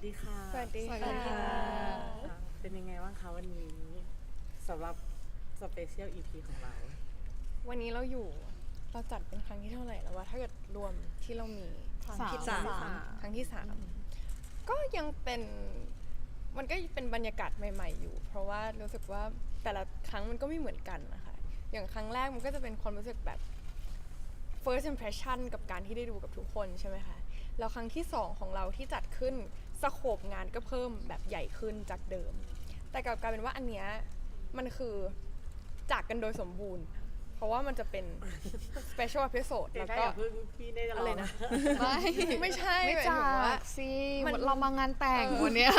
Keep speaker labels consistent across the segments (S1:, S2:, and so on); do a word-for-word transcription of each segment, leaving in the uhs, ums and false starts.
S1: ดีค่ะ
S2: สวัสดีค่ะ
S1: เป็นยังไงบ้างคะวันนี้สำหรับสเปเชียล อี พี ของเรา
S2: วันนี้เราอยู่เราจัดเป็นครั้งที่เท่าไหร่แล้ววะถ้าเกิดรวมที่เรามีครั้งที่
S1: สาม
S2: ครั้งที่สามก็ยังเป็นมันก็เป็นบรรยากาศใหม่ๆอยู่เพราะว่ารู้สึกว่าแต่ละครั้งมันก็ไม่เหมือนกันนะคะอย่างครั้งแรกมันก็จะเป็นความรู้สึกแบบ first impression กับการที่ได้ดูกับทุกคนใช่ไหมคะแล้วครั้งที่สองของเราที่จัดขึ้นสโคปงานก็เพิ่มแบบใหญ่ขึ้นจากเดิมแต่กลับกลายเป็นว่าอันเนี้ยมันคือจากกันโดยสมบูรณ์เพราะว่ามันจะเป็น special episode แล้วก็
S1: พี่ได้จะ
S2: อะไรนะ
S3: ไม่
S2: ไม่ใช่
S3: ไม่
S2: หมาย
S3: จา
S2: ถึงว่า
S3: กสิ
S2: มัน
S3: เรามางานแต่งวันเนี้ย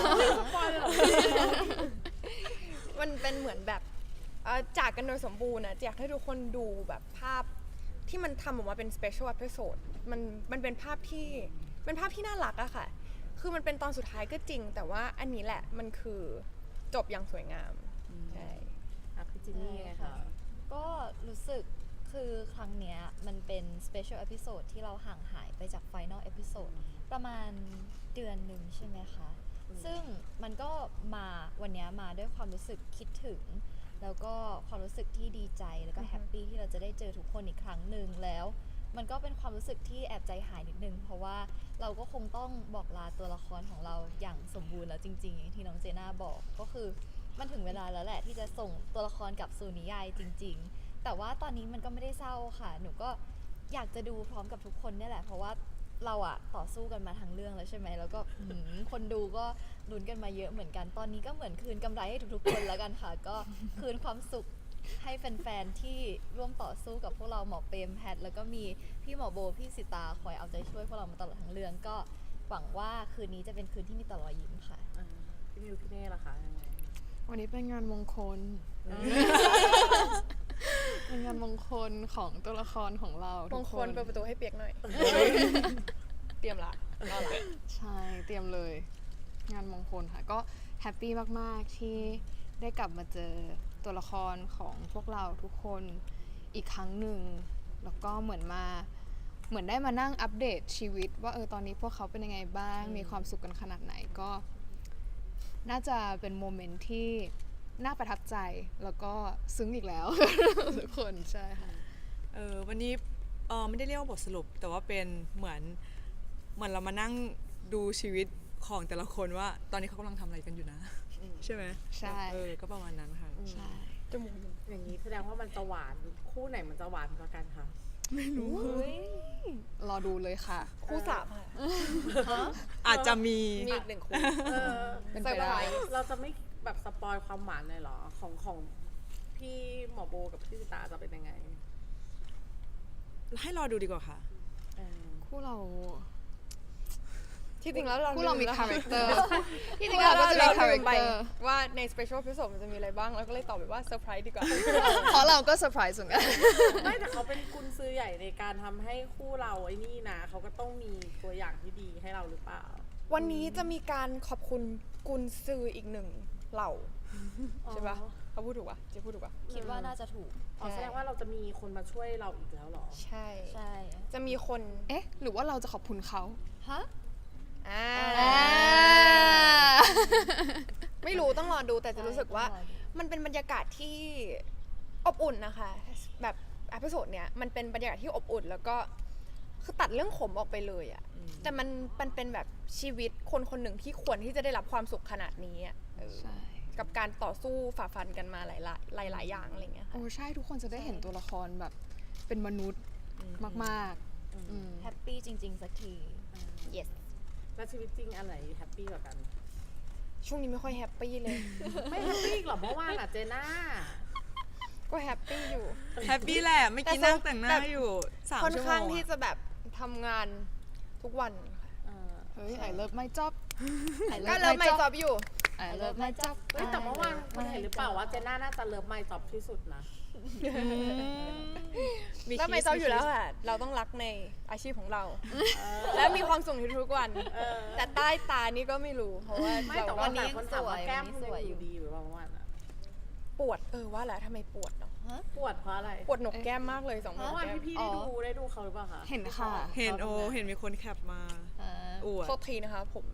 S2: มันเป็นเหมือนแบบเอ่อจากกันโดยสมบูรณ์นะอยากให้ทุกคนดูแบบภาพที่มันทำออกมาเป็น special episode มันมันเป็นภาพที่เป็นภาพที่น่ารักอะค่ะคือมันเป็นตอนสุดท้ายก็จริงแต่ว่าอันนี้แหละมันคือจบอย่างสวยงามใช่
S1: พี่จินนี่ไงคะ
S4: ก็รู้สึกคือครั้งเนี้ยมันเป็น special episode ที่เราห่างหายไปจาก final episode ประมาณเดือนหนึ่งใช่ไหมคะ ซึ่งมันก็มาวันเนี้ยมาด้วยความรู้สึกคิดถึง แล้วก็ความรู้สึกที่ดีใจแล้วก็แฮปปี้ที่เราจะได้เจอทุกคนอีกครั้งหนึ่งแล้ว มันก็เป็นความรู้สึกที่แอบใจหายนิดนึงเพราะว่าเราก็คงต้องบอกลาตัวละครของเราอย่างสมบูรณ์แล้วจริงๆอย่างที่น้องเจน่าบอกก็คือมันถึงเวลาแล้วแหละที่จะส่งตัวละครกลับสู่นิยายจริงๆแต่ว่าตอนนี้มันก็ไม่ได้เศร้าค่ะหนูก็อยากจะดูพร้อมกับทุกคนนี่แหละเพราะว่าเราอะต่อสู้กันมาทั้งเรื่องแล้วใช่ไหมแล้วก็ คนดูก็ลุ้นกันมาเยอะเหมือนกันตอนนี้ก็เหมือนคืนกำไรให้ทุกๆคนแล้วกันค่ะ ก็คืนความสุขให้แฟนๆที่ร่วมต่อสู้กับพวกเราหมอเปรมแพทแล้วก็มีพี่หมอโบพี่สิตาคอยเอาใจช่วยพวกเรามาตลอดทั้งเรื่องก็หวังว่าคืนนี้จะเป็นคืนที่มีแต่รอยยิ้มค่ะ
S1: พี่มิวพี่เน่ล่ะคะยังไง
S3: วันนี้เป็นงานมงคล เป็นงานมงคลของตัวละครของเรา
S2: ม
S3: ทุ
S2: ง
S3: ก
S2: ค
S3: ค
S2: ล
S3: น
S2: เปิดประตูให้เปียกหน่อย เตรียมละรอละ
S3: ใช่เตรียมเลย งานมงคลค่ะ ก็แฮปปี้มากๆที่ได้กลับมาเจอตัวละครของพวกเราทุกคนอีกครั้งหนึ่งแล้วก็เหมือนมาเหมือนได้มานั่งอัปเดตชีวิตว่าเออตอนนี้พวกเขาเป็นยังไงบ้างมีความสุขกันขนาดไหนก็ น่าจะเป็นโมเมนต์ที่น่าประทับใจแล้วก็ซึ้งอีกแล้ว ทุกคนใช่ค่ะ
S5: เออวันนี้เออไม่ได้เรียกว่าบทสรุป แต่ว่าเป็นเหมือนเหมือนเรามานั่งดูชีวิตของแต่ละคนว่า ตอนนี้เขากำลังทำอะไรกันอยู่นะ ใช่ไหม
S3: ใช่
S5: เออก็ประมาณนั้นค่ะ
S3: ใช่
S2: จมูกอยู่
S1: อย่างนี้แสดงว่ามันจะหวานคู่ไหนมันจะหวานกว่ากันคะ
S3: รอดูเลยค่ะ
S2: คู่สามค่ะ
S5: อาจจะมี
S2: มีอีกหนึ่งคู่
S1: เออ
S3: เป็น
S2: เซอ
S3: ไป
S2: ร์ไพร
S3: ได้
S2: ส์
S1: เราจะไม่แบบสปอยความหวานเลยเหรอของของพี่หมอโบกับพี่สิตาจะเป็นยังไง
S5: ให้รอดูดีกว่าค่ะ
S1: เออ
S3: คู่เรา
S2: ที่จริงแล้วเรา
S3: คู่เรามี
S2: ลืแล้ว
S3: คาแรคเตอร์
S2: ที่จ
S3: พ
S2: ริ
S3: ว
S2: ง
S3: ก
S2: แล้
S3: เรา
S2: ว
S3: ก็จะมี
S2: เรา
S3: คาแร
S2: ลื
S3: ค
S2: มไป
S3: เตอร์
S2: ว่าใน special episode มันจะมีอะไรบ้างแล้วก็เลยตอบไปว่าเซอร์ไพรส์ดีกว่า
S3: เพราะเราก็เซอร์ไพรส์เหมือนกัน
S1: ไม่แต่เขาเป็นกุญซื้อใหญ่ในการทำให้คู่เราไอ้นี่นะเขาก็ต้องมีตัวอย่างที่ดีให้เราหรือเปล่า
S2: วันนี้จะมีการขอบคุณกุนซืออีกหนึ่งเหล่าใช่ปะเขาพูดถูกปะเจ๊พูดถูกปะ
S4: คิดว่าน่าจะถูก
S1: อ๋อแสดงว่าเราจะมีคนมาช่วยเราอีกแล้วเหรอ
S2: ใช่
S4: ใช่
S2: จะมีคน
S3: เอ๊ะ หรือว่าเราจะขอบคุณเขา
S4: ฮะ
S2: อ่า
S4: อ่า
S2: ไม่รู้ต้องรอดูแต่จะรู้สึกว่า
S4: ใช่ต้องรอดู
S2: มันเป็นบรรยากาศที่อบอุ่นนะคะ แบบอพิโซดเนี้ยมันเป็นบรรยากาศที่อบอุ่น แล้วก็คือตัดเรื่องขมออกไปเลยอะแต่มันมันเป็นแบบชีวิตคนคนหนึ่งที่ควรที่จะได้รับความสุขขนาดนี้อะเออ
S3: ใช่
S2: กับการต่อสู้ฝ่าฟันกันมาหลายหลายหลายๆอย่างอะไรเงี้ยค่ะ
S3: โอ้ใช่ทุกคนจะได้เห็นตัวละครแบบเป็นมนุษย์มากๆอืม
S4: แฮปปี้จริงๆสักที
S2: yes
S1: แล้วชีวิตจริงอันไหนแฮปปี้กว่ากัน
S2: ช่วงนี้ไม่ค่อยแฮปปี้เลย
S1: ไม่แฮปปี้หรอกเมื่อวานอะเจน่า
S2: ก็แฮปปี้อยู่
S5: แฮปปี้แหละเมื่อกี้นั่งแต่งหน้าอยู่สาม
S2: ค่อน
S5: ชั่วโม
S2: ข้าง
S5: ง
S2: ที่
S5: อะ
S2: จะแบบทำงานทุกวันค่ะ
S1: เออ
S3: เฮ้ย I love my job
S2: ก็เริ่มไม่จอบอยู่
S3: I love my job
S1: เฮ้ยแต่เมื่อวานคุณเห็นหรือเปล่าว่าเจน่าน่าจะเลิฟไม่จอบที่สุดนะ
S2: แล้วไม่จอบอยู่แล้วค่ะ เราต้องรักในอาชีพของเรา และมีความสุขในทุกวัน
S1: เออ
S2: แต่ใต้ตานี่ก็ไม่รู้ เพราะว่า
S1: ไม่
S2: เรา
S1: แต่
S2: ก็
S1: ว่า
S4: วันนี้
S1: แต่คนถามว่า
S4: ยังสวย
S1: แก้ม
S4: วันนี้
S1: คุณ
S4: สวย
S1: ยังอ
S4: อยู่
S1: ยู่ดีหรือเปล่าเมื่อวานอะ
S2: ปวดเออว่าแล้วทำไมปวดเนาะ
S1: ปวดเพราะอะไร
S2: ปวดหนกแก้มมากเลยสองหน
S1: เมื่
S2: ก
S1: อวาน
S2: แก้ม
S1: พี่ๆได้ดูได้ดูเขาหรือเปล่าคะ
S3: เห็นค่ะ
S5: เห็นโอเห็นมีคนแคปมา
S4: อ่า
S5: อวด
S2: โทษทีนะคะผม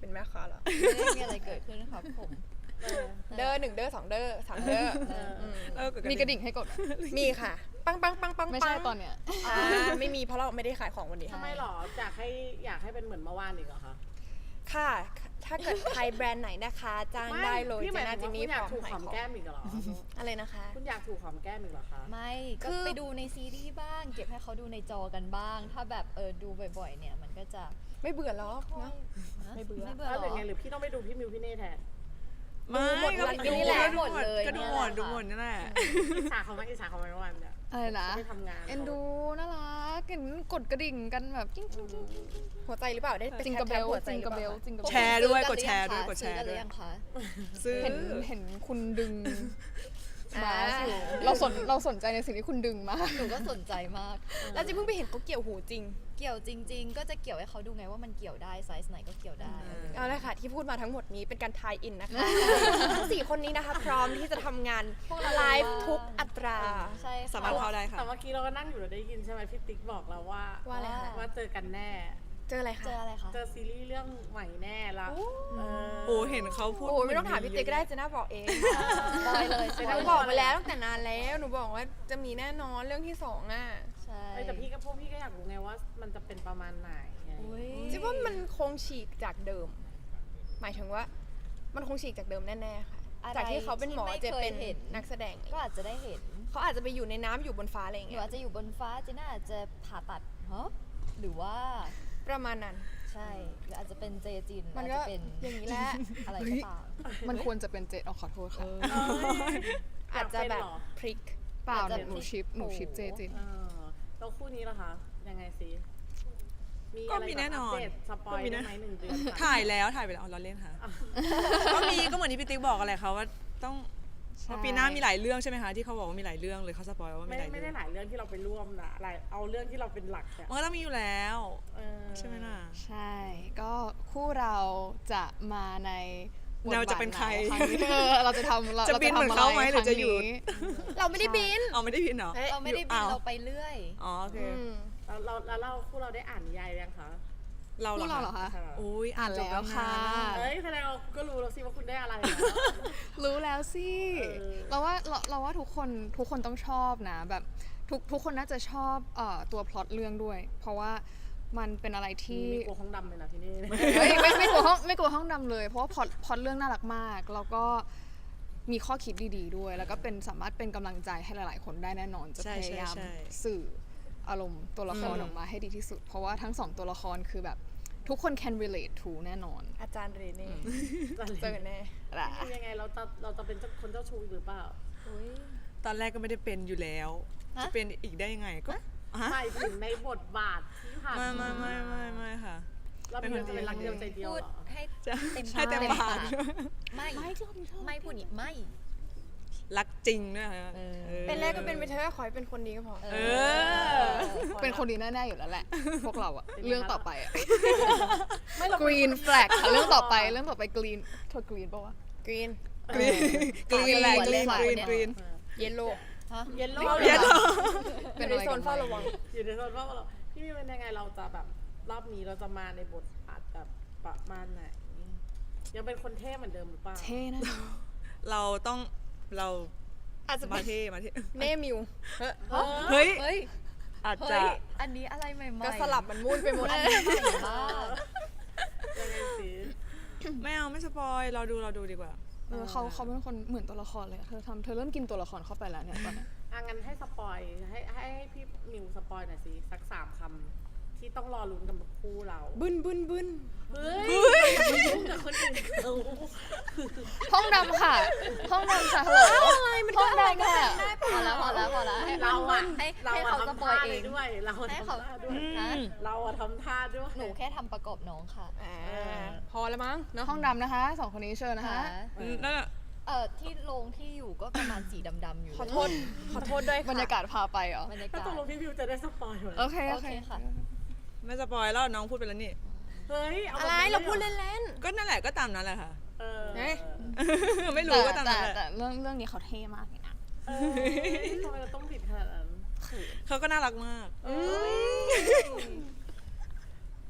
S2: เป็นแม่ค้าเหรอ
S4: ไม่ได้มีอะไรเกิดขึ้นครับผม
S1: เออ
S2: เด้อหนึ่งเด้อสองเด้อสามเด้อ
S1: เออ
S2: อืม
S5: เออ
S3: มีกระดิ่งให้กดไหม
S2: มีค่ะ ปังปังปังปัง
S3: ไม่ใช่ตอนเนี้ย
S2: อ่าไม่มีเพราะเราไม่ได้ขายของวันนี้
S1: ทำไมหรออยากให้อยากให้เป็นเหมือนเมื่อวานอีกเหรอคะ
S2: ค่ะ ถ้าเกิดใครแบรนด์ไหนนะคะจ้างได้เลย
S1: พี่ห
S2: เจ
S1: มาย
S2: น่า
S1: ถึ
S2: จิ
S1: ง
S2: น
S1: ว่า
S2: นี่
S1: คุณอยาก
S2: พร้
S1: ถู
S2: อก ม
S1: ห
S2: ขาย
S1: อม
S2: ของ
S1: แก้มอีกเหรอ
S2: อะไรนะคะ
S1: คุณอยากถูกหอมแก้มอีกเหรอคะ
S4: ไม่ก็
S2: คือ
S4: ไปดูในซีรีส์บ้าง เก็บให้เขาดูในจอกันบ้าง ถ้าแบบเออดูบ่อยๆ เนี่ยมันก็จะ
S2: ไม่เบื่อหรอกเนอะ
S4: ฮะ
S2: ไม่เบื่อ
S4: ไม่เบื่อ
S1: แล้ว
S4: ห
S1: ห
S4: ร
S1: รือ
S4: อ
S1: ไงหรือพี่ต้องไปดูพี่มิวพี่เน่แทน
S5: ไม่
S2: หมด
S5: ก็
S2: วัน
S5: ดู
S2: นี้แหละ
S5: ก็ดูหมด
S4: เลย
S5: ก็ดู
S4: เนี่ย
S5: หมด
S4: แหละ
S5: ดูหมดนี่แหละ
S1: อิจฉาเขาไหมอิจฉาเขาไหมเมื่อวานเนี่ย
S3: อะไรนะ
S1: เขาไปทำงาน
S3: เอ็นดูน่ารักเห็นกดกระดิ่งกันแบบจิ้งจิ้งจิ้งจิ้งจิ้ง
S2: หัวใจหรือเปล่าได้ไป
S3: จิงกระเบล
S2: แคปหัวใจ
S3: จิง
S2: หรื
S3: ก
S2: อ
S3: ระ
S2: เป
S3: เบล
S2: ล่า
S3: จิงกระเบล
S5: แชร์ด้วย
S4: ซื้อ
S5: กดแชร์ด้วย
S4: ห
S5: กดแชร์
S4: ซื้อกันห
S5: ด้
S4: รื
S5: วย
S4: อยังคะ
S5: ซื้อ
S3: เห็นเห็นคุณดึง
S2: อ่า
S3: บาสอยู่เราสนเราสนใจในสิ่งที่คุณดึงมาก
S4: หนูก็สนใจมาก
S2: แล้วจิเพิ่งไปเห็นเขาเกี่ยวหูจริง
S4: เกี่ยวจริง ๆ ก็จะเกี่ยวให้เขาดูไงว่ามันเกี่ยวได้ไซส์ไหนก็เกี่ยวได้
S2: เอาละค่ะที่พูดมาทั้งหมดนี้เป็นการทายอินนะคะ ทั้งสี่คนนี้นะคะพร้อมที่จะทำงาน
S4: พวกเรา
S2: ไลฟ์ทุกอัตรา
S4: ใช่ค่ะ
S5: สามารถเข้าได้ค่ะ
S1: แต่เมื่อกี้เราก็นั่งอยู่เราได้ยินใช่ไหมพี่ติ๊กบอกเราว่า
S2: ว่าอะไรคะ
S1: ว่าเจอกันแน่
S2: เจออะไรคะ
S4: เจออะไรคะ
S1: เจอซีรีส์เรื่องใหม่แน่ละ
S4: โอ้
S1: เออ
S5: โอ้เห็นเขาพูด
S2: โอ้ยไม่ต้องถามพี่ติ๊กก็ได้เจะน่าบอกเอง
S4: บอยเลย
S2: ห
S4: ใช่
S2: นูบอกมาแล้วตั้งแต่นานแล้วหนูบอกว่าจะมีแน่นอนเรื่องที่สองอ่ะ
S4: ใช่
S1: เอ้ยแต่พี่ก็พวกพี่ก็อยากรู้ไงว่ามันจะเป็นประมาณไหนไง
S4: อุ๊ย
S2: จิว่ามันคงฉีกจากเดิม หมายถึงว่ามันคงฉีกจากเดิมแน่ๆค่ะ
S4: อะไร
S2: จากที่เขาเป็นหมอ
S4: ที่ไม่
S2: จะเป็น
S4: เคยเห็น
S2: นักแสดง
S4: ก็อาจจะได้เห็น
S2: เขาอาจจะไปอยู่ในน้ำอยู่บนฟ้าอะไรอย่าง
S4: หนู
S2: เงี้ย
S4: อาจจะอยู่บนฟ้าเจน่าอาจจะผ่าตัดฮะหรือว่า
S2: ประมาณนั้น
S4: ใช่หรืออาจจะเป็นเจจินหรือ
S2: มัน
S4: อาจ
S2: ก็
S4: จะเป็น
S2: อย่างนี้แหละ
S4: อะไรก็ตาม
S3: มันควรจะเป็นเจดอ๋อขอโทษค่ะ
S2: อาจจะแบบพลิก
S3: เปล่า
S4: อาจจะ
S3: หนูชิปหนูชิปเจจิน
S1: เออแล้วคู่นี้ล่ะคะ ยังไงสิ มี
S5: ก็
S1: อะไร
S5: มีแน่นอน
S1: อัปเดตสปอย
S5: ก็มี
S1: ได้
S5: แน่
S1: ไหมหนึ่งเดือนค่ะ
S5: ถ่ายแล้วถ่ายไปแล้วอ๋อเราเล่นค่ะ ก็มีก็เหมือนที่พี่ติ๊กบอกอะไรเขาว่าต้องเพราะปีหน้ามีหลายเรื่องใช่ไหมคะที่เขาบอกว่ามีหลายเรื่องเลยเขาสปอยว่ามี
S1: ไม่
S5: หลาย
S1: ไม่
S5: เรื่
S1: ได้
S5: อง
S1: หลายเรื่องที่เราไปร่วมนะหลายเอาเรื่องที่เราเป็นหลักอะ
S5: มันก็ต้องมีอยู่แล้ว
S1: เออ
S5: ใช่ไหมล่ะ
S3: ใช่ ก็คู่เราจะมาในบท
S5: เราจะเป็นใคร
S3: บาทไหนครั้งนี้เออเราจะทำเรา
S5: จะบินเหมือนเขาไหมหรือจะหยุด
S2: เราไม่ได้บิน
S5: เอาไม่ได้พินเหรอ
S2: เฮ้ย
S4: เราไม่ได้บิน
S5: อ้าว
S4: เราไปเรื่อย
S5: อ๋อโอเค
S2: อืม
S1: แล้วเราแล้วเราคู่เราได้อ่านนิยายยังคะ
S5: เราเหร
S3: คู่
S5: อ
S3: เราเหรอ
S5: คะ
S3: คะ
S1: คะ
S5: อุ้ย
S3: อ่านแล้วค่ะ
S1: เอ้ยแสดงเราก็รู้แล้วสิว่าคุณได้อะไรนะ
S3: รู้แล้วสิ
S1: เออ
S3: เราว่าเราเราว่าทุกคนทุกคนต้องชอบนะแบบทุกทุกคนน่าจะชอบเอ่อตัวพล็อตเรื่องด้วย เพราะว่ามันเป็นอะไรที่
S1: มีกลัวห้องดำเลยนะที่นี่
S3: เฮ้ยไม่ไม่กลัวห้องไม่กลัวห้องดำเลย เพราะว่าพล็อตพล็อตเรื่องน่ารักมาก แล้วก็มีข้อคิดดีๆด้วย แล้วก็เป็นสามารถเป็นกำลังใจให้หลายๆ คนได้แน่นอน จะ
S5: ใช่
S3: พ
S5: ใช่
S3: ยายาม
S5: ใช่
S3: สื่ออารมณ์ตัวละคร
S5: อืม
S3: ออกมาให้ดีที่สุด เพราะว่าทั้งสองตัวละครคือแบบทุกคน can relate to แน่นอน
S2: อาจารย์เรเน่
S1: จะ
S2: เจอแน่
S3: ละ
S1: เป็นยังไงเราจะเราจะเป็นเจ้าคนเจ้าชู้หรือเปล่า
S4: อุ๊ย
S5: ตอนแรกก็ไม่ได้เป็นอยู่แล้ว
S4: ฮะ
S5: จะเป็นอีกได้ยังไงก็ฮะ
S1: หมายถึงในบทบาทที่ผ่าน
S5: ไม่ไม่ไม่ไม่ไม่ค่ะ
S1: เราเป็นคนจะเป็นรักเดียวใจเดียว
S4: พูด
S1: เหรอ
S4: ให้
S5: จะ
S4: เต็ม
S5: ใช่เต็มปาก
S4: ไม่
S3: ไม่ชอบชอบ
S4: ไม่พูดนี่ไม่
S5: รักจริงด้วยค่ะ
S4: เออ
S5: ออ
S2: เป็นแรกก็เป็นไปเถอะขอให้เป็นคนดีก็พอ
S5: เออ
S3: เป็นคนดีแน่ๆอยู่แล้วแหละ พวกเราอะ
S1: เป็นไงคะ
S3: เรื่องต่อไปอะ
S1: ไม่เรา
S3: green flag ค่ะเรื่องต่อไปเรื่องต่อไป green เธอ green ปะวะ
S2: กรีน
S5: กรีนกรีนแหละกรีนกรีนกรีน
S2: เยลโล่
S4: ฮะ
S1: เย็นโล
S5: เย็นโล
S2: เป็นในโซนเฝ้าระวัง
S1: อยู่ในโซนว่าเราพี่มีเป็นยังไงเราจะแบบรอบนี้เราจะมาในบทบาทแบบประมาณไหนยังเป็นคนเท่เหมือนเดิมหรือเปล่า
S3: เท่นะ
S5: เราต้องเรา
S2: อาจจะ
S5: มา
S2: เป็น
S5: เท่มาเท่
S2: เน่มิวเฮ้ย
S5: เฮ้ย
S4: เฮ้ย
S5: อาจ
S4: เฮ้
S5: จะ
S4: ย อันนี้อะไรใหม่ๆ
S2: ก็สลับมันมุ่นไปหมด
S4: อันนี้ใหม่มาก
S1: ยังไงสิ
S5: ไม่เอาไม่สปอยเราดูเราดูดีกว่า
S3: เออเขาเขาเป็นคนเหมือนตัวละครเลยอะเธอทำเธอเริ่มกินตัวละครเข้าไปแล้วเนี่ยตอนเนี้ย
S1: อ่ะงั้นให้สปอยให้ให้ให้พี่มิวสปอยหน่อยสิสักสามคำที่ต้องรอลุ้นกับคู่เรา
S2: บึนบึนบึน
S1: เฮ้ยอย่าไปยุ่งกับคนอื่นเขา
S3: ห้องดำค่ะ ห้องดำค่ะฮัลโหลห้องดำค่ะ
S4: พอแล้วพอแล้วพอแล้วให้
S1: เราอะ
S4: ให้
S1: เรา
S4: ให้
S1: อะ
S4: เขาส
S1: ทำ
S4: ปอย
S1: ท่า
S4: เอ
S1: ได้
S4: ง
S1: ด้วย เราอะ
S4: ให้
S1: ทำ
S4: เขา
S1: ท่าด้วย
S4: ฮะ
S1: เราอะทำท่าด้วย
S4: หนูแค่ทำประกอบน้องค่ะ
S2: อ่าพอแล้วมั้งเนาะ
S3: ห้องดำนะคะสองคนนี้เชิญนะคะ
S5: นั่นแหละ
S4: เอ่อที่โรงที่อยู่ก็ประมาณสีดำๆอยู่
S2: ขอโทษ ขอโทษด้วยค่ะ
S3: บรรยากาศพาไปเหรอ
S4: บรรยา
S1: ถ้าก
S4: าศ
S1: ตกลงพี่มิวจะได้สปอยไหม
S3: โอเค โอ
S4: โอ
S3: เค
S4: เคค่ะ
S5: ไม่สปอยแล้วน้องพูดไปแล้วนี่
S1: เฮ้ยเอา
S2: อะไรเราพูดเล่น
S5: ก็นั่นแหละก็ตามนั้นแหละค่ะ
S1: เออ
S2: เอ๊ะ
S5: ไม่รู้ก็
S3: แต่
S5: ตาม
S3: แต่
S5: นั้นแหละ
S3: แต่เรื่องเรื่องนี้เขาเท่มากเลยนะ
S1: เออทำไมเราต้องผิดขนาดนั้น
S5: เขาก็น่ารักมาก
S1: เอ้ย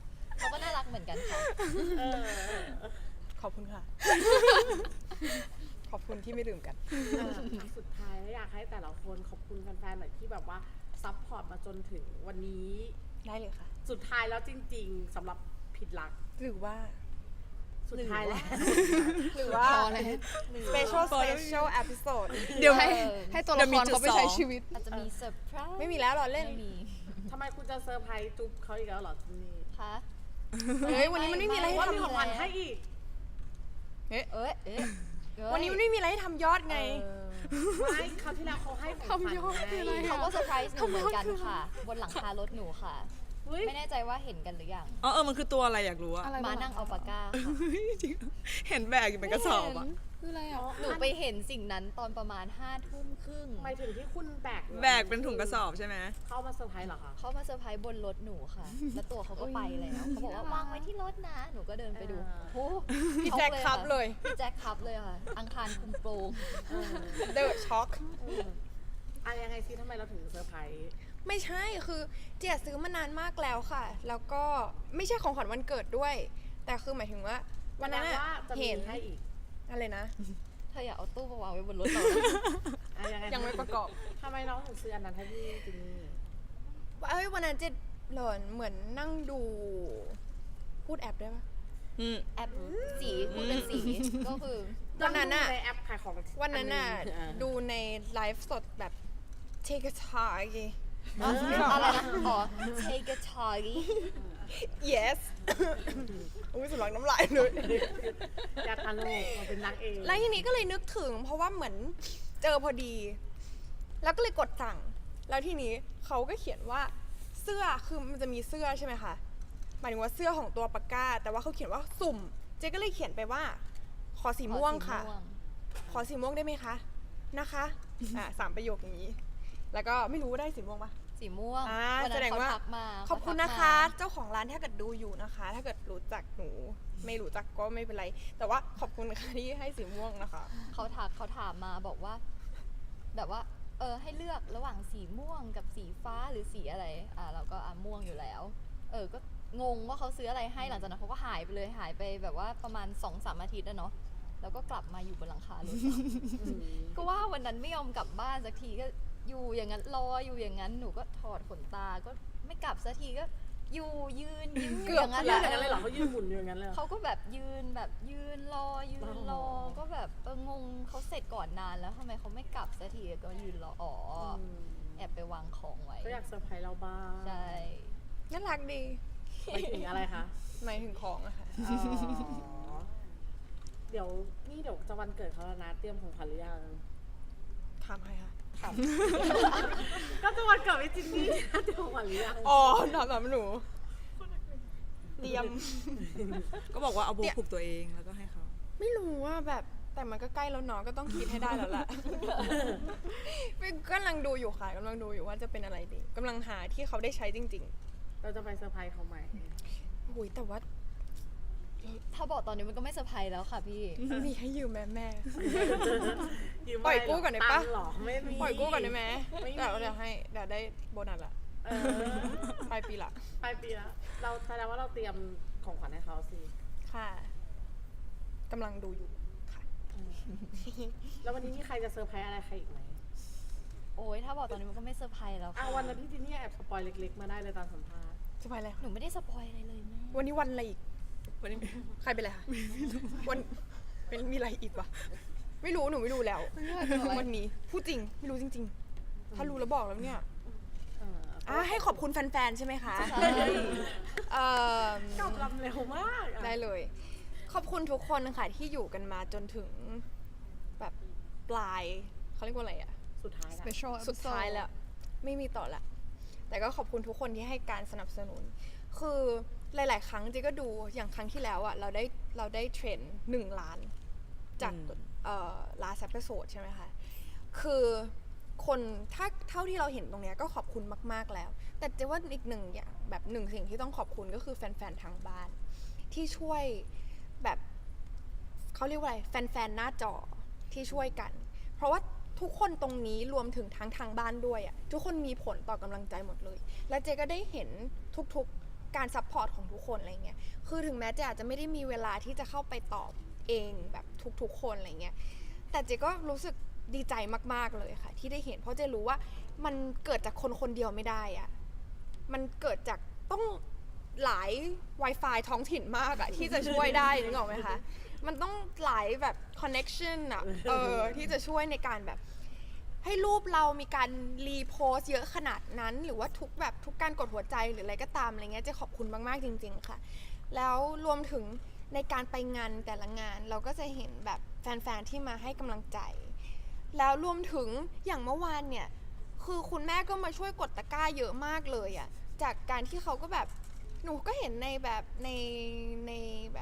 S4: เขาก็น่ารักเหมือนกันค่ะ
S1: เออ
S2: ขอบคุณค่ะ ขอบคุณที่ไม่ลืมกัน
S1: เออสุดท้ายอยากให้แต่ละคนขอบคุณแฟนๆหน่อยที่แบบว่าซัพพอร์ตมาจนถึงวันนี้
S2: ได้เลยค่ะ
S1: สุดท้ายแล้วจริง ๆสำหรับผิดหลัก
S2: หรือว่า
S1: สุดท้ายแล้ว
S2: หรือว่า
S3: พอแล้ว
S2: special special episode
S3: เดี๋ยวให้
S4: เออ
S3: ให้ตัวละครเขาไปใช้ชีวิต
S4: อาจจะมีเซอร์ไพรส์
S2: ไม่มีแล้วเหรอเล่น
S4: ไม่มี
S1: ทำไมคุณจะเซอร์ไพรส์จุ๊บเขาอีกแล้วเหรอจินนี่
S4: คะ
S2: เฮ้ย วันนี้มันไม่มีอะไรให้
S1: ว่า
S2: ทำ
S1: มีของขวัญให้อีก
S4: เอ้ยเอ้ยเอ้ย
S2: วันนี้มันไม่มีอะไรให้ทำยอดไง
S4: เออ
S1: ไม่คราวที่แล้วเขาให้ของขวัญ
S3: ทำยอดคืออะไร
S1: ไง
S3: อะ
S4: เขาก็เซอร์ไพรส์หนูเหมือนกันค่ะ บนหลังคารถหนูค่ะ
S1: เฮ้ย
S4: ไม่แน่ใจว่าเห็นกันหรือยัง
S5: อ๋อเออมันคือตัวอะไรอยากรู้อะ
S3: อะไร
S4: มานั่งอัลปาก้าค่ะ
S5: จริงเหรอเห็นแบกอยู่เป็นกระสอบอะ
S3: คืออะไรอ่ะ
S4: หนูไปเห็นสิ่งนั้นตอนประมาณห้าทุ่มครึ่ง
S1: หมายถึงที่คุณแบก
S5: แบกเป็นถุงกระสอบใช่ไหม
S1: เข้ามาเซอร์ไพรส์เหรอคะ
S4: เขามาเซอร์ไพรส์บนรถหนูค่ะ แล้วตัวเขาก็ไปแล้ว เขาบอกว่าวางไว้ที่รถนะ หนูก็เดินไปดู
S1: อ่า
S4: โอ้
S2: พี่แจ็คครับเลย
S4: พี่แจ็คครับเลยค่ะ อังคารคุมโปรง
S1: เออ
S2: The Shock
S1: เอออะไรยังไงซิทำไมเราถึงเซอร์ไพรส์
S2: ไม่ใช่ คือเจียซื้อมานานมากแล้วค่ะ แล้วก็ไม่ใช่ของขวัญวันเกิดด้วย แต่คือหมายถึงว่า วันนั้น
S1: แสดง
S2: อะ
S1: ว่าจะมี
S2: เห็น
S1: ให้อีก
S2: อะไรนะ
S4: เธออย่าเอาตู้มาวางไว้บนรถเรา
S1: อะยังไง
S2: ยังไม่ประกอบ
S1: ทำไมน้องถึงซื้ออันนั้นให้พี่จินนี่
S2: เอ้ยวันนั้นเจหล่อนเหมือนนั่งดู พูดแอปได้ปะ
S5: อืม
S4: แอปสีพูดเป็นสี ก็คือ
S2: วันนั้นอะ
S1: ในแอปขายของ
S2: วันนั้นน่ะ
S1: อัหง
S2: ดูในไลฟ์สดแบบ take a talk
S4: อ๋ออะไรนะ อ๋อ take a talk
S2: yes อุ้ยสำลักน้ำลายเลย
S1: อยากทานโลกมาเป็นนางเอก
S2: แล้วทีนี้ก็เลยนึกถึง เพราะว่าเหมือนเจอพอดี แล้วก็เลยกดสั่ง แล้วทีนี้เขาก็เขียนว่าเสื้อคือมันจะมีเสื้อใช่ไหมคะหมายถึงว่าเสื้อของตัวปากกา แต่ว่าเขาเขียนว่าสุ่ม เจ๊ก็เลยเขียนไปว่า ขอสีม่วงค่ะ ขอสีม่วงได้ไหมคะ นะคะ อ่าสามประโยคอย่างนี้ แล้วก็ไม่รู้ว่าได้สีม่วงปะ
S4: สีม่วง
S2: อ่า
S4: วัน
S2: แส
S4: นั้น
S2: ดง
S4: เขา
S2: ว่า
S4: ทักมา
S2: ขอบคุณ
S4: เขาทัก
S2: นะคะ เจ้าของร้านถ้าเกิดดูอยู่นะคะ ถ้าเกิดรู้จักหนู ไม่รู้จักก็ไม่เป็นไร แต่ว่าขอบคุณค่ะที่ให้สีม่วงนะคะ
S4: เขาทักเขาถามมาบอกว่า แบบว่า เออให้เลือกระหว่างสีม่วงกับสีฟ้าหรือสีอะไร อ่าเราก็อ่ะม่วงอยู่แล้ว เออก็งงว่าเขาซื้ออะไรให้หลังจากนั้นเขาก็หายไปเลยหายไปแบบว่าประมาณสองสามอาทิตย์แล้วเนาะแล้วก็กลับมาอยู่บนหลังคารถ
S1: อืม
S4: ก็ว่าวันนั้นไม่ยอมกลับบ้านสักทีก็อยู่อย่างนั้นรออยู่อย่างนั้นหนูก็ถอดขนตาก็ไม่กลับสักทีก็อยู่ยืนยิ้ม
S2: เกือบ
S4: อย่างนั้น
S1: เขา
S4: แห
S1: ยืน
S4: ละ
S1: อย่างนั้นเลยเหรอเขายืนหมุนอยู่อย่างนั้นเลยเหรอ
S4: เขาก็แบบยืนแบบยืนรอยืนรอ
S1: อ๋อ
S4: ก็แบบเอองงเขาเสร็จก่อนนานแล้วทำไมเขาไม่กลับสักทีก็ยืนรออ๋ออ
S1: ม
S4: แอบไปวางของไว้
S1: ก็อยากเซอร์ไพรส์เราบ้าง
S4: ใช่
S2: น่ารักดี
S1: ไปถึงอะไรคะ
S2: หมายถึงของอะค่ะ
S1: อ๋อเดี๋ยวนี่เดี๋ยวจะวันเกิดเขาแล้วนะ เตรียมของขวัญหรือยัง
S2: ถามใครคะ
S1: ก็จะวันเกิดพี่จินนี่นะเตรียมของขวัญหรือยัง
S2: อ๋อถามถามหนู เตรียม
S5: ก็บอกว่าเอาโบ
S2: เนี่ย
S5: ผูกตัวเองแล้วก็ให้เขา
S2: ไม่รู้ว่าแบบ แต่มันก็ใกล้แล้วเนาะก็ต้องคิดให้ได้แล้วแหละ กำลังดูอยู่ค่ะกำลังดูอยู่ว่าจะเป็นอะไรดีกำลังหาที่เขาได้ใช้จริง
S1: เราจะไปเซอร์ไพรส์เขาไหม
S2: ๆอุ้ยแต่ว่า
S4: ถ้าบอกตอนนี้มันก็ไม่เซอร์ไพรส์แล้วค่ะพี่
S2: มีให้ยืมแม่แม่
S1: ยืม
S2: ปล่อยกู้ก่อนได้ปะ
S1: ตังค์เหรอไม่มี
S2: ปล่อยกู้ก่อนได้ไหม
S1: ไม่มี
S2: เดี๋ยวเดี๋ยวให้เดี๋ยวได้โบนัสละ
S1: เออ
S2: ปลายปีละ
S1: ปลายปีแล้วเราแสดงว่าเราเตรียมของขวัญให้เขาสิ
S2: ค่ะกำลังดูอยู่ค่ะ
S1: แล้ววันนี้มีใครจะเซอร์ไพรส์อะไรใครอีกไหม
S4: โอ้ยถ้าบอกตอนนี้มันก็ไม่เซอร์ไพรส์แล้ว
S1: อ่ะ
S4: ค่ะ
S1: วันนั้นพี่จินนี่แอบสปอยเล็กๆมาได้เลยตอนสัมภาษณ์
S2: จะไปอะไร
S4: หนูไม่ได้สปอยอะไรเลยแม่
S2: วันนี้วันอะไรอีก
S5: วันนี้
S2: ใครเป็นอะไรคะวันเป็นมีอะไรอีกวะไม่รู้หนูไม่รู้แล้ว วันนี้พูดจริงไม่รู้จริง ๆ ถ้ารู้แล้วบอกแล้วเนี่ย
S1: เออ
S2: อ่ะให้ขอบคุณแฟนๆใช่ไหมคะ
S4: ใช่
S2: เอ่อ
S1: กลับลำเร็วมากอ่ะ
S2: ได้เลย ขอบคุณทุกคนค่ะที่อยู่กันมาจนถึงแบบปลายเขาเรียกว่าอะไรอะ
S1: สุดท้ายละ
S3: special
S2: สุดท้ายแล้ว ไม่มีต่อละ แต่ก็ขอบคุณทุกคนที่ให้การสนับสนุน คือหลาย ๆ ครั้งเจก็ดูอย่างครั้งที่แล้วอะเราได้เราได้เทรนด์หนึ่งล้าน จาก
S5: อืม
S2: เอ่อ last episode ใช่ไหมคะ คือคนถ้าเท่าที่เราเห็นตรงเนี้ยก็ขอบคุณมาก ๆ แล้ว แต่เจว่าอีกหนึ่งอย่างแบบหนึ่งสิ่งที่ต้องขอบคุณก็คือแฟน ๆ ทางบ้าน ที่ช่วยแบบเขาเรียกว่าอะไรแฟน ๆ หน้าจอที่ช่วยกัน เพราะว่าทุกคนตรงนี้รวมถึงทั้งทางบ้านด้วยอะทุกคนมีผลต่อกำลังใจหมดเลย และเจก็ได้เห็นทุกๆการซัพพอร์ตของทุกคนอะไรเงี้ยคือถึงแม้เจอาจจะไม่ได้มีเวลาที่จะเข้าไปตอบเองแบบทุกๆคนอะไรเงี้ยแต่เจก็รู้สึกดีใจมากๆเลยค่ะที่ได้เห็นเพราะเจรู้ว่ามันเกิดจากคนคนเดียวไม่ได้อะมันเกิดจากต้องหลาย Wi-Fi ท้องถิ่นมากอะที่จะช่วยได้นึกออกไหมคะมันต้องหลายแบบ connection อะเออที่จะช่วยในการแบบให้รูปเรามีการรีโพสเยอะขนาดนั้นหรือว่าทุกแบบทุกการกดหัวใจหรืออะไรก็ตามอะไรเงี้ยเจะขอบคุณมากๆจริงๆค่ะแล้วรวมถึงในการไปงานแต่ละงานเราก็จะเห็นแบบแฟนๆที่มาให้กำลังใจแล้วรวมถึงอย่างเมื่อวานเนี่ยคือคุณแม่ก็มาช่วยกดตะกร้าเยอะมากเลยอะจากการที่เขาก็แบบหนูก็เห็นในแบบในในแบบ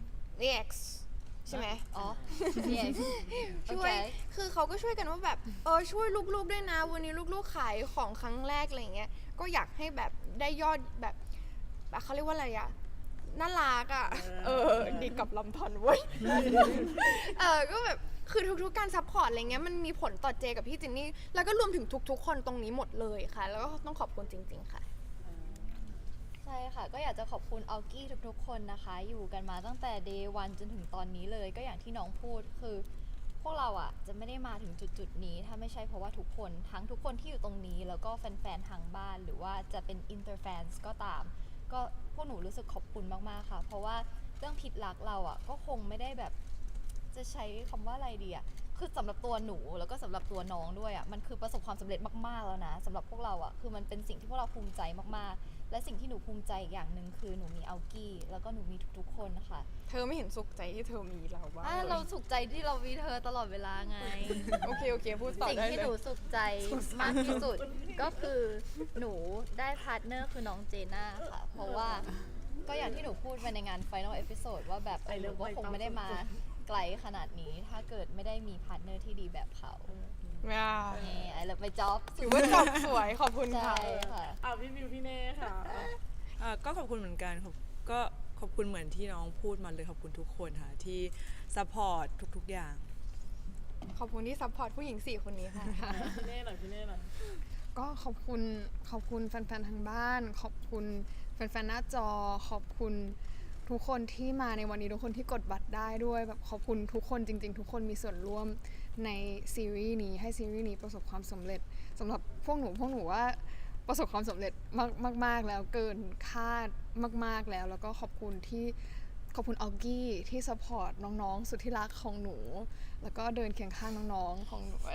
S2: X ใช่ไหม
S4: อ๋อ yes
S2: ช่วย คือเขาก็ช่วยกันว่าแบบเออช่วยลูกๆด้วยนะวันนี้ลูกๆขายของครั้งแรกอะไรเงี้ยก็อยากให้แบบได้ยอดแบบแบบเขาเรียกว่าอะไรอะน่ารักอะเออดีกับลำทอนเว้ยเออก็แบบคือทุกๆการซัพพอร์ตอะไรเงี้ยมันมีผลต่อเจกับพี่จินนี่แล้วก็รวมถึงทุกๆคนตรงนี้หมดเลยค่ะแล้วก็ต้องขอบคุณจริงๆค่ะ
S4: ใช่ค่ะก็อยากจะขอบคุณอัลกี้ทุกๆคนนะคะอยู่กันมาตั้งแต่ day one จนถึงตอนนี้เลยก็อย่างที่น้องพูดคือพวกเราอ่ะจะไม่ได้มาถึงจุดๆนี้ถ้าไม่ใช่เพราะว่าทุกคนทั้งทุกคนที่อยู่ตรงนี้แล้วก็แฟนๆทางบ้านหรือว่าจะเป็น inter fans ก็ตามก็พวกหนูรู้สึกขอบคุณมากๆค่ะเพราะว่าเรื่องผิดรักเราอ่ะก็คงไม่ได้แบบจะใช้คำว่าอะไรดีอ่ะคือสำหรับตัวหนูแล้วก็สำหรับตัวน้องด้วยอ่ะมันคือประสบความสำเร็จมากๆแล้วนะสำหรับพวกเราอ่ะคือมันเป็นสิ่งที่พวกเราภูมิใจมากๆและสิ่งที่หนูภูมิใจอีกอย่างหนึ่งคือหนูมีอัลกี้แล้วก็หนูมีทุกๆคนค่ะ
S2: เธอไม่เห็นสุขใจที่เธอมีเราบ้าง
S4: อ่ะ
S2: เล
S4: เรา
S2: ย
S4: สุขใจที่เรามีเธอตลอดเวลาไง
S2: โอเคโอเคพูดต่อ
S4: สิ่ง
S2: ได้
S4: ที่
S2: เล
S4: หนู
S2: ย
S4: สุขใจมากที่สุดก็คือหนูได้พาร์ทเนอร์คือน้องเจน่าค่ะ เพราะว่าก็อย่างที่หนูพูดไปในงาน Final Episode ว่าแบบเออหนูก็คงไม่ได้มาไกลขนาดนี้ ถ้าเกิดไม่ได้มีพาร์ทเนอร์ที่ดีแบบเขา
S2: อ่า
S4: นี่ไอ้เลิฟไปจ็อบ
S2: ถือว่าจบสวยขอบคุณ
S4: ใช่
S2: ค่ะ
S4: ค่ะ
S1: เอาพี่บิวพี่เน่ค่ะ
S5: อ่าก็ขอบคุณเหมือนกันขอบก็ขอบคุณเหมือนที่น้องพูดมาเลยขอบคุณทุกคนค่ะที่ซัพพอร์ตทุกๆอย่าง
S2: ขอบคุณที่ซัพพอร์ตผู้หญิงสี่คนนี้ค่ะ
S1: พี่เน่หน่อยพี่เน่หน่อย
S3: ก็ขอบคุณขอบคุณแฟนๆทางบ้าน ขอบคุณแฟนๆหน้าจอ ขอบคุณทุกคนที่มาในวันนี้ทุกคนที่กดบัตรได้ด้วยแบบขอบคุณทุกคนจริงๆ ทุกคนมีส่วนร่วมในซีรีส์นี้ให้ซีรีส์นี้ประสบความสำเร็จสำหรับพวกหนูพวกหนูว่าประสบความสำเร็จมากมากๆแล้วเกินคาดมากๆแล้วแล้วก็ขอบคุณที่ขอบคุณออกี้ที่ซัพพอร์ตน้องๆสุดที่รักของหนูแล้วก็เดินเคียงข้างน้องๆของหนู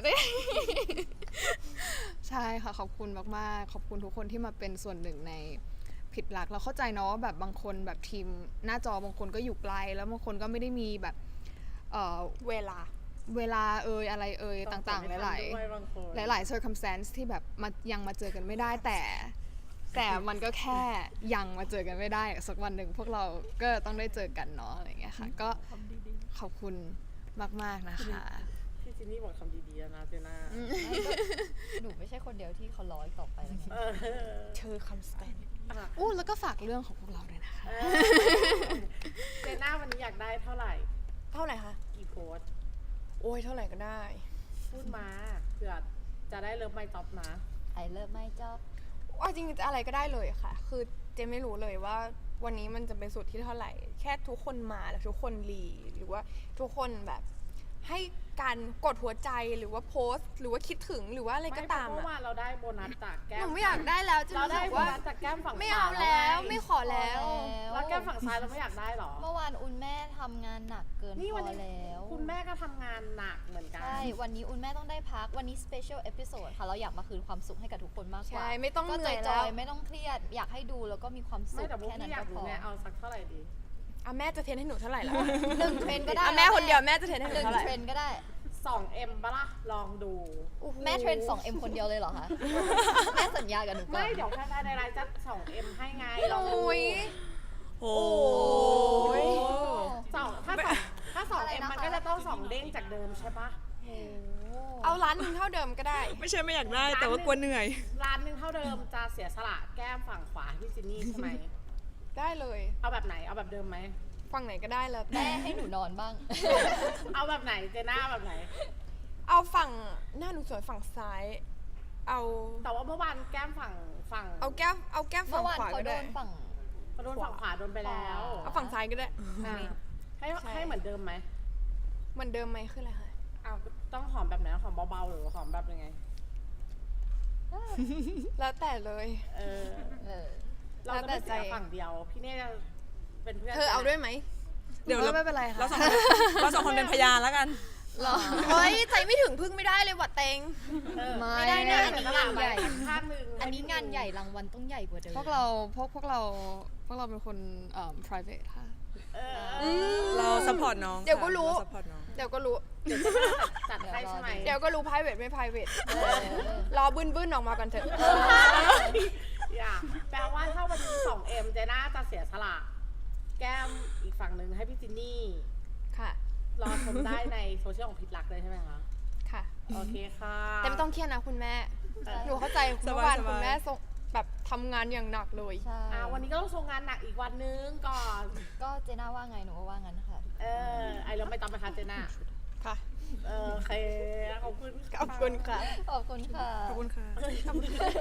S3: ใช่ค่ะขอบคุณมากๆขอบคุณทุกคนที่มาเป็นส่วนหนึ่งในผิดหลักเราเข้าใจเนาะว่าแบบบางคนแบบทีมหน้าจอบางคนก็อยู่ไกลแล้วบางคนก็ไม่ได้มีแบบเอ่อ
S2: เวลา
S3: เวลาเอ่ยอะไรเอ่ยต่างๆ หลาย
S1: ด้วยบางคน
S3: ๆหลายๆ circumstance ที่แบบมายังมาเจอกันไม่ได้แต่ แต่มันก็แค่ยังมาเจอกันไม่ได้สักวันหนึ่งพวกเราก็ต้องได้เจอกันเนาะอะไรอย่างเงี้ยค่ะก็ขอบคุณมากๆนะคะ
S1: พี่จินนี่บอกคำดีๆนะเจน่า
S4: หนูไม่ใช่คนเดียวที่เขาร้อยต่อไปแล้ว
S1: เออ
S2: เธอคำสแตน
S1: อ่ะ
S3: อู้แล้วก็ฝากเรื่องของพวกเราด้วยนะคะ
S1: เออเจน่าวันนี้อยากได้เท่าไหร่
S2: เท่าไหร่คะ
S1: กี่โพสต์
S2: โอ้ยเท่าไหร่ก็ได้
S1: พูดมาเผื่อจะได้เริ่มไม่จ็อบนะ
S4: ไอเลิฟไม่จ็อบ
S2: ว่าจริงๆจะอะไรก็ได้เลยค่ะ คือเจไม่รู้เลยว่าวันนี้มันจะเป็นสุดที่เท่าไหร่ แค่ทุกคนมาแล้วทุกคนรีหรือว่าทุกคนแบบให้การกดหัวใจหรือว่าโพสต์ หรือว่าคิดถึงหรือว่าอะไรก็ตาม
S1: ไเพราะ
S2: อะ
S1: ว่าเราได้โบนัสจากแก้
S2: ห
S1: ม
S2: นูไม่อยากได้แล้วจะ
S1: เรา
S2: รู้
S1: ได้
S2: สึก
S1: โบ
S2: ว่า
S1: นัสจากแก้มฝั่ง
S2: ไม่เอาแล้ว
S1: ขว
S2: ไม่ขอแล้ว
S1: แล้วแก้มฝั่งซ้ายเราไม่อยากได้หรอ
S4: เมื่อวานอุ่นแม่ทำงานหนักเกิน
S1: นี่
S4: พ
S1: วัน
S4: อ
S1: นี้
S4: แล้ว
S1: คุณแม่ก็ทำงานหนักเหมือนกัน
S4: ใช่ วันนี้อุ่นแม่ต้องได้พัก วันนี้ special episode ค่ะ เราอยากมาคืนความสุขให้กับทุกคนมากกว่า
S2: ใช่ไม่ต้อง
S4: ก็
S2: เหนื่อย
S4: จ
S2: แล้
S4: อ
S2: วย
S4: ๆไม่ต้องเครียด อยากให้ดูแล้วก็มีความสุ
S1: ไม่
S4: ข
S1: แต่พวก
S4: แค่นั้
S1: พี่
S4: น
S1: อยาก
S4: ก็พ
S1: รู้
S4: อ
S1: ไงเอาสักเท่าไหร่ดี
S2: อ่ะแม่จะเทรนให้หนูเท่าไหร่แล้ว
S4: หนึ่งเทรนก็ได้
S2: อ่ะแม่คนเดียวแม่จะเทรนให้ห
S4: ห
S2: นู
S4: นึ่ง
S2: เท่าไหร่
S4: เทรนก็ได้
S1: สองเอ็มปะล่ะ ลองดู
S4: แม่เทรน สองเอ็ม คนเดียวเลยเหรอคะ แม่สัญญากับหนูก่อน
S1: ไม่เดี๋ยวแค่ในไลน์จะสองเอ็มให้ไงลองดู
S2: โอ้ย
S5: โอ้
S2: ย
S1: สองถ้าสองถ้าสองเอ็มมันก็จะต้องสองเด้งจากเดิมใช่ปะ
S2: เอาล้านหนึ่งเท่าเดิมก็ได้
S5: ไม่ใช่ไม่อยากได้แต่ว่ากลัวเหนื่อย
S1: ร้านหนึ่งเท่าเดิมจะเสียสละแก้มฝั่งขวาให้พี่จินนี่ใช่ไหม
S2: ได้เลย
S1: เอาแบบไหน เอาแบบเดิมไหม
S2: ฝั่งไหนก็ได้แล้วแต่
S4: แม่ให้หนูนอนบ้าง
S1: เอาแบบไหนเจน่าแบบไหน
S2: เอาฝั่งหน้าหนูสวยฝั่งซ้าย เอา
S1: แต่ว่าเมื่อวานแก้มฝั่งฝั่ง
S2: เอาแก้มเอาแก้มฝั่
S4: เมื่
S2: ง
S4: อวาน
S2: ขวา
S4: เขา
S2: ก็
S4: โด
S2: ได้
S4: นฝั่ง
S1: เขาโดนฝั่งขวาโดนไปแล้ว
S2: เอาฝั่งซ้ายก็ได้
S1: อ่ะให้
S2: ใช่
S1: ให้เหมือนเดิมไหม
S2: เหมือนเดิมไหมคืออะไรคะ
S1: อ้าวต้องหอมแบบไหนหอมเบาๆหรือหอมแบบยังไง
S2: แล้วแต่เลย
S1: เออ
S4: เออ
S1: เราจะไม่เสียฝั่งเดียว พี่เน่จะเป็นเพื่อน
S2: เธอเอาด้วยไหม
S5: เดี๋ยวเรา
S3: ไม่เป็นไรค่ะ
S5: เราสองคนเราสองคนเป็นพยานแล้วกัน
S2: เฮ้ยใจไม่ถึงพึ่งไม่ได้เลยว่ะเตง
S1: เออ
S3: ไม่
S1: ไม่ได้นะ
S4: อั
S1: อัน
S4: นนี้
S1: นี้
S4: งานใหญ่
S1: ข้างหนึ่ง
S4: อันนี้งานใหญ่รางวัลต้องใหญ่กว่าเดิม
S3: พวกเราพวกพวกเราพวกเราเป็นคนเอ่อ private ค่ะ
S1: เออ
S5: เรา support น้อง
S2: เดี๋ยวก็รู้
S5: เรา support น้อง
S2: เดี๋ยวก็รู้
S1: เดี๋ยวจะจัดให้ใช่ไหม
S2: เดี๋ยวก็รู้ private ไม่ private รอบึ้นบึ้นๆออกมากันเถอะ
S1: อย่าแปลว่าถ้าวันนี้สองเอ็มเจน่าจะเสียสละแก้มอีกฝั่งหนึ่งให้พี่จินนี่
S2: ค่ะ
S1: รอชมได้ในโซเชียลของพิษรักเลยใช่ไหมคะ
S2: ค่ะ
S1: โอเคค่ะ
S2: แต่ไม่ต้องเครียดนะคุณแม่
S1: เออ
S2: หนูเข้าใจเมื่อวานคุณแม่ส่งแบบทำงานอย่างหนักเลย
S4: ใช่
S1: อ่าวันนี้ก็ต้องโชว์งานหนักอีกวันนึงก่อน
S4: ก็เจน่าว่าไงหนูก็ว่างั้นค่ะ
S1: เออ ไอเราไม่ต้องไปคะเจน่า
S2: ค่ะ
S1: เออโอเค ขอบคุณ
S2: ขอบคุณค่ะ
S4: ขอบคุณค่ะ
S5: ขอบคุณค่ะ
S1: ขอบคุณ